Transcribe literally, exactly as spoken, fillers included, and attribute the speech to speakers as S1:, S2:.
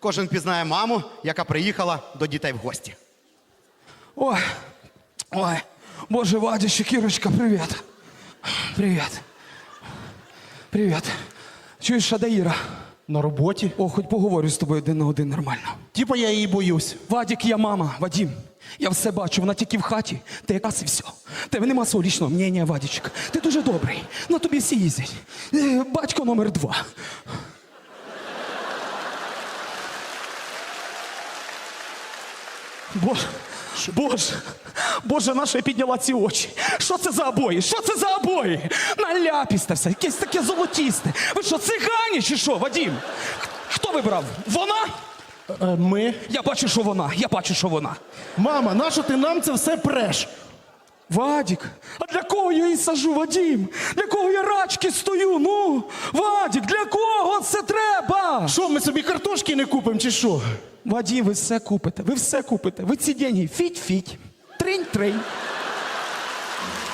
S1: Кожен пізнає маму, яка приїхала до дітей в гості.
S2: Ой, ой, боже, Вадюшек, Кірочка, привіт. Привіт. Привіт. Чуєш, а де Іра?
S3: На роботі.
S2: О, хоч поговорю з тобою один на один нормально.
S3: Типа я її боюсь.
S2: Вадік, я мама, Вадім. Я все бачу, вона тільки в хаті. Ти якраз і все. Тебе нема свого лічного мнення, Вадічок. Ти дуже добрий. На тобі всі їздять. Е, Батько номер два. Боже, Боже, Боже, наша я підняла ці очі. Що це за обої? Що це за обої? Наляпісте все, якесь таке золотісте. Ви що, цигані чи що, Вадім? Хто вибрав? Вона?
S3: Е, Ми.
S2: Я бачу, що вона, я бачу, що вона.
S3: Мама, нащо ти нам це все преш?
S2: Вадік, а для кого я її сажу, Вадім? Для кого я рачки стою? Ну, Вадік, для кого це треба?
S3: Що, ми собі картошки не купимо чи що?
S2: Вадім, ви все купите, ви все купите. Ви ці деньги фіть-фіть, тринь-тринь.